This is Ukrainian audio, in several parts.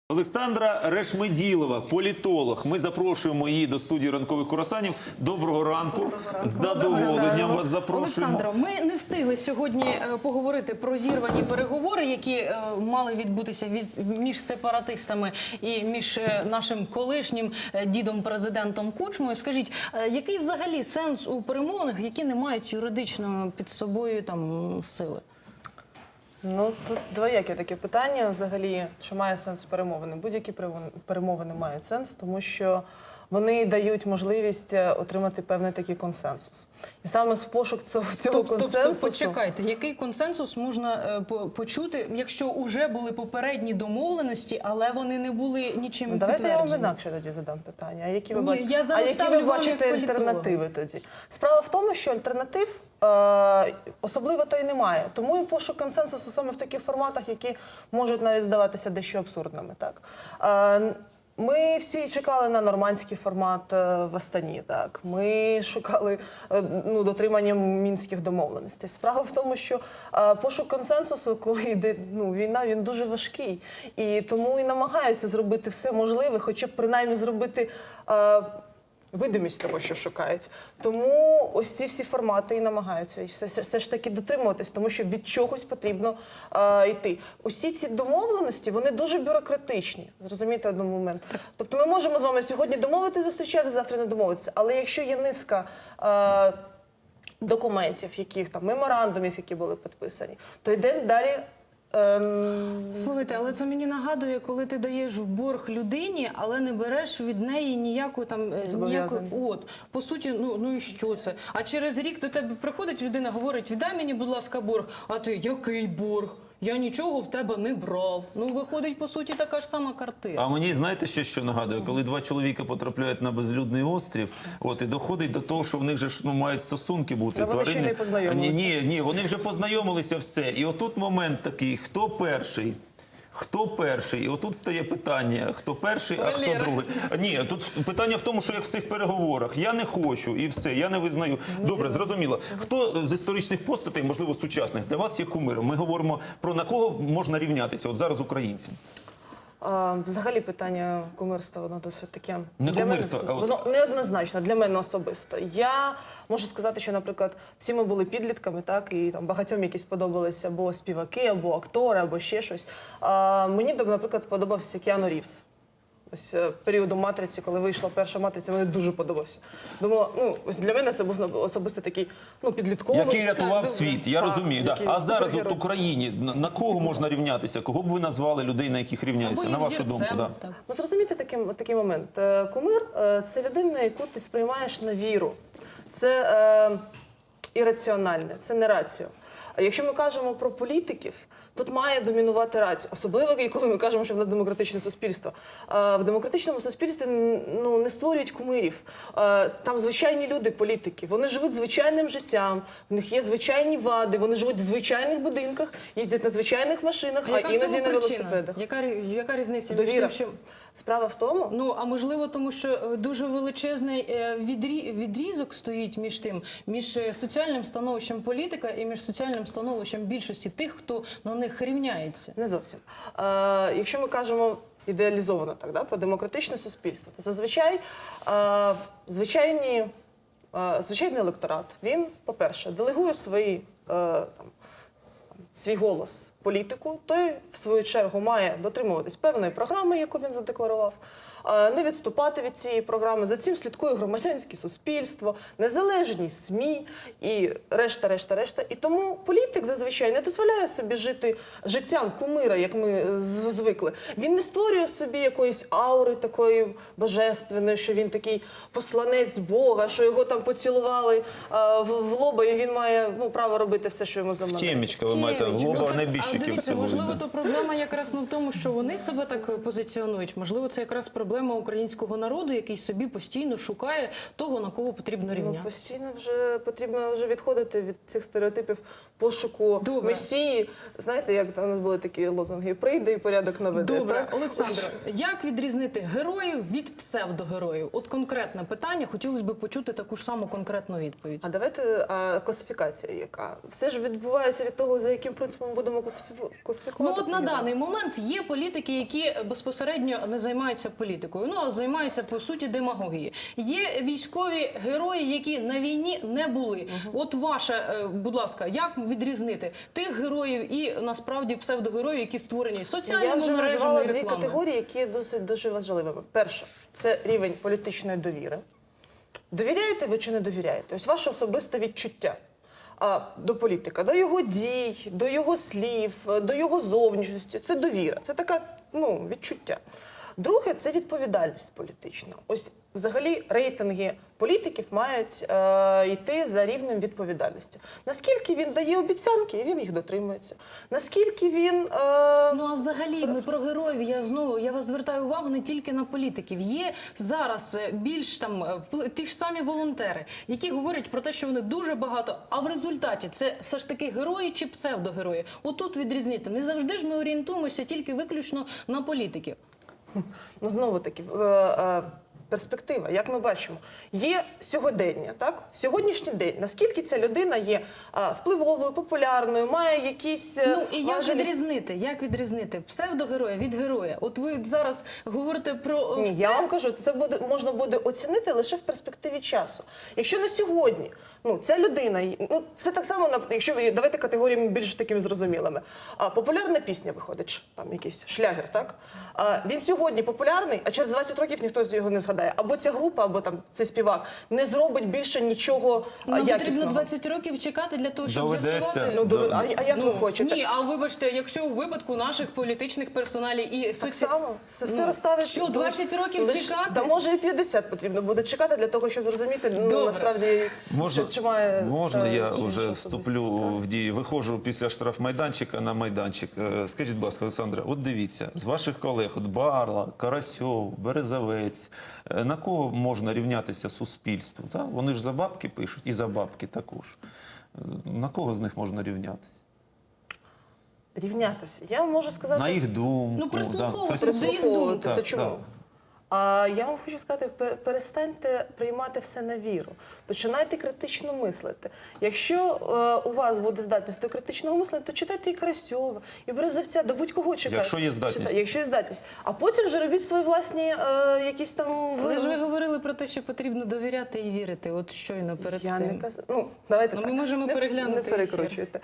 Олександра Решмеділова, політолог. Ми запрошуємо її до студії ранкових курасанів. Доброго ранку. З задоволенням вас запрошуємо. Олександро, ми не встигли сьогодні поговорити про зірвані переговори, які мали відбутися між сепаратистами і між нашим колишнім дідом-президентом Кучмою. Скажіть, який взагалі сенс у перемовинах, які не мають юридично під собою сили? Ну, тут двояке таке питання взагалі, чи має сенс перемовини. Будь-які перемовини мають сенс, тому що вони дають можливість отримати певний такий консенсус. І саме з пошук цього консенсусу... Стоп, почекайте. Який консенсус можна почути, якщо вже були попередні домовленості, але вони не були нічим підтверджені? Давайте я вам інакше тоді задам питання. А які ви, ви бачите альтернативи тоді? Справа в тому, що альтернатив особливо то й немає. Тому і пошук консенсусу саме в таких форматах, які можуть навіть здаватися дещо абсурдними. Так? Ми всі чекали на нормандський формат в Астані. Так? Ми шукали дотримання мінських домовленостей. Справа в тому, що пошук консенсусу, коли йде війна, він дуже важкий. І тому і намагаються зробити все можливе, хоча б принаймні зробити... видимість того, що шукають. Тому ось ці всі формати і намагаються все ж таки дотримуватись, тому що від чогось потрібно йти. Усі ці домовленості, вони дуже бюрократичні, зрозумієте один момент. Тобто ми можемо з вами сьогодні домовитися, зустрічати, завтра не домовитися, але якщо є низка документів, меморандумів, які були підписані, то йде далі. Слухайте, але це мені нагадує, коли ти даєш в борг людині, але не береш від неї ніяку по суті, ну і що це? А через рік до тебе приходить людина, говорить: віддай мені, будь ласка, борг. А ти: який борг? Я нічого в тебе не брав. Ну, виходить, по суті, така ж сама картина. А мені, знаєте, що нагадує? Коли два чоловіка потрапляють на безлюдний острів, і доходить до того, що в них же мають стосунки бути. Вони ще не познайомилися. Ні, вони вже познайомилися, все. І отут момент такий: хто перший? Хто перший? І отут стає питання: хто перший, а хто другий. Ні, тут питання в тому, що як в цих переговорах: я не хочу і все, я не визнаю. Добре, зрозуміло. Хто з історичних постатей, можливо, сучасних, для вас є кумиром? Ми говоримо про на кого можна рівнятися от зараз українцям. Взагалі питання кумирства, воно досить таке... Не кумирство, а воно неоднозначно для мене особисто. Я можу сказати, що, наприклад, всі ми були підлітками, так, і багатьом якісь подобалися або співаки, або актори, або ще щось. Мені, наприклад, подобався Кіану Рівз. Ось періоду «Матриці», коли вийшла перша «Матриця», мені дуже подобався. Думала, ось для мене це був особисто такий, підлітковий. Який рятував світ, я розумію. Да. А зараз от в Україні на кого можна рівнятися? Кого б ви назвали людей, на яких рівняються, на вашу думку? Да. Ну, зрозумійте такий момент. Кумир – це людина, яку ти сприймаєш на віру. Це ірраціональне, це не раціо. А якщо ми кажемо про політиків, тут має домінувати рація. Особливо, коли ми кажемо, що в нас демократичне суспільство. В демократичному суспільстві не створюють кумирів. Там звичайні люди, політики. Вони живуть звичайним життям, в них є звичайні вади, вони живуть в звичайних будинках, їздять на звичайних машинах, а іноді на велосипедах. Яка різниця? Довіра. Справа в тому... А можливо, тому що дуже величезний відрізок стоїть між соціальним становищем політика і між соціальним становищем більшості тих, хто на них рівняється. Не зовсім. Якщо ми кажемо ідеалізовано про демократичне суспільство, то зазвичай звичайний електорат, він, по-перше, делегує свій голос політику, той, в свою чергу, має дотримуватись певної програми, яку він задекларував, не відступати від цієї програми. За цим слідкує громадянське суспільство, незалежні СМІ і решта. І тому політик зазвичай не дозволяє собі жити життям кумира, як ми звикли. Він не створює собі якоїсь аури такої божественної, що він такий посланець Бога, що його там поцілували в лоба, і він має право робити все, що йому заманеться. Темічка, ви маєте, в лоба небіжчиків цілують. Можливо, то проблема якраз не в тому, що вони себе так позиціонують. Можливо, це якраз проблема українського народу, який собі постійно шукає того, на кого потрібно рівняти. Постійно потрібно відходити від цих стереотипів пошуку месії. Знаєте, як у нас були такі лозунги: прийде і порядок наведе. Добре, Олександро, як відрізнити героїв від псевдогероїв? От конкретне питання, хотілося б почути таку ж саму конкретну відповідь. А давайте класифікація яка. Все ж відбувається від того, за яким яким принципом ми будемо Ну, класифікувати? от це на відео? даний момент є політики, які безпосередньо не займаються політикою, ну а займаються по суті демагогією. Є військові герої, які на війні не були. От ваше, будь ласка, як відрізнити тих героїв і насправді псевдогероїв, які створені Я соціальними вже мережами назвала і дві рекламою? категорії, які є досить дуже важливими. Перше, це рівень політичної довіри. Довіряєте ви чи не довіряєте? Ось ваше особисте відчуття до політика, до його дій, до його слів, до його зовнішності. Це довіра, це таке відчуття. Друге, це відповідальність політична. Ось взагалі рейтинги політиків мають йти за рівнем відповідальності. Наскільки він дає обіцянки, і він їх дотримується. Наскільки він... Ну а взагалі ми про героїв. Я вас звертаю увагу не тільки на політиків. Є зараз більш ті ж самі волонтери, які говорять про те, що вони дуже багато. А в результаті це все ж таки герої чи псевдогерої. Отут відрізнити. Не завжди ж ми орієнтуємося тільки виключно на політиків. Ну, знову-таки, перспектива, як ми бачимо, є сьогодення, так? Сьогоднішній день. Наскільки ця людина є впливовою, популярною, має якісь Ну і як важелі? відрізнити? Як відрізнити псевдогероя від героя? От ви зараз говорите про Ні, все. я вам кажу, це можна буде оцінити лише в перспективі часу. Якщо на сьогодні, ця людина, це так само, якщо ви давайте категоріями більш такими зрозумілими. Популярна пісня виходить, там якийсь шлягер, так? Він сьогодні популярний, а через 20 років ніхто його не згадає. Або ця група, або там цей співак не зробить більше нічого Нам якісного. потрібно 20 років чекати для того, щоб Доведеться. з'ясувати. А як ви хочете? Ні, а вибачте, якщо у випадку наших політичних персоналів і Так само, все розставить. що, 20 років чекати? Та може і 50 потрібно буде чекати для того, щоб зрозуміти, Добре. насправді, чи має... Можна я іншу вже особистість, вступлю так? в дію? Виходжу після штрафмайданчика на майданчик. Скажіть, будь ласка, Олександра, от дивіться, з ваших колег, от Барла, Карасьов, Березовець, на кого можна рівнятися суспільству? Так? Вони ж за бабки пишуть, і за бабки також. На кого з них можна рівнятися? Рівнятися. Я вам можу сказати... На їх думку. Ну, прислуховуватися да, до їх Прислуховуватися. Так, Чому? так. Я вам хочу сказати, перестаньте приймати все на віру. Починайте критично мислити. Якщо у вас буде здатність до критичного мислення, то читайте і Карасьова, і Березовця, до будь-кого читайте. Якщо є здатність. Якщо є здатність. А потім вже робіть свої власні якісь там... Але ж ви говорили про те, що потрібно довіряти і вірити. От щойно перед Я цим. не казала. Давайте Ну, так. ми можемо переглянути Не ефір. перекручуйте.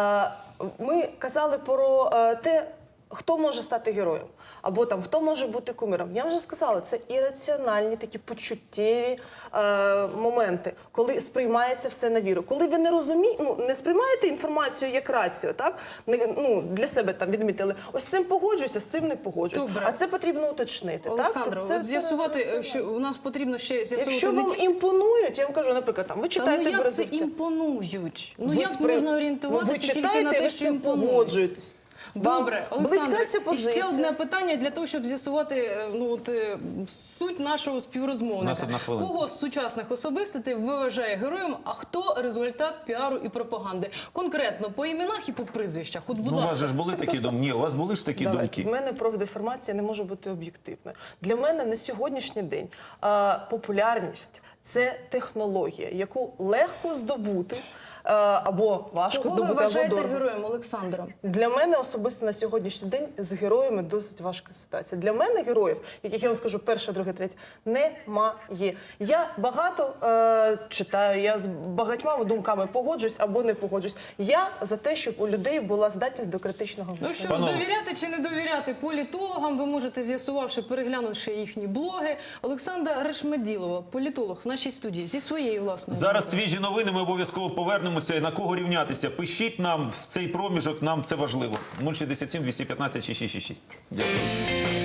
Ми казали про те, хто може стати героєм, або там хто може бути кумиром. Я вже сказала, це ірраціональні такі почуттєві моменти, коли сприймається все на віру. Коли ви не розумієте, не сприймаєте інформацію як рацію, так? Для себе там відмітили, ось з цим погоджуюся, з цим не погоджуюся. Добре. А це потрібно уточнити. Олександро, так? Це от з'ясувати, що у нас потрібно ще з'ясувати Якщо не вам тільки... імпонують, я вам кажу, наприклад, там, ви Та читаєте як це Березовця. імпонують? Ну Ви як можна орієнтуватися ви тільки читаєте, на те, ви з що цим імпонує? погоджуєтесь. Добре, Вам близька Олександре, ця і позиція. ще одне питання для того, щоб з'ясувати суть нашого У нас співрозмовника. 1 хвилина. Кого з сучасних особистостей вважає героєм, а хто результат піару і пропаганди? Конкретно по іменах і по прізвищах. От, будь Ну, у вас ласка. же ж були такі думки? Ні, у вас були ж такі думки? В мене профдеформація не може бути об'єктивною. Для мене на сьогоднішній день популярність – це технологія, яку легко здобути, або важко Кого ви здобути, або вважаєте дорого. героєм, Олександро? Для мене особисто на сьогоднішній день з героями досить важка ситуація. Для мене героїв, яких я вам скажу, перше, друге, третє, немає. Я багато читаю, я з багатьма думками погоджуюсь або не погоджуюсь. Я за те, щоб у людей була здатність до критичного Ну мислення. що ж, Панове. довіряти чи не довіряти політологам, ви можете, з'ясувавши, переглянувши їхні блоги. Олександра Решмеділова, політолог в нашій студії, зі своєю власною. Зараз свіжі новини, ми обов'язково повернемося. На кого рівнятися? Пишіть нам в цей проміжок, нам це важливо. 067 215 6666. Дякую.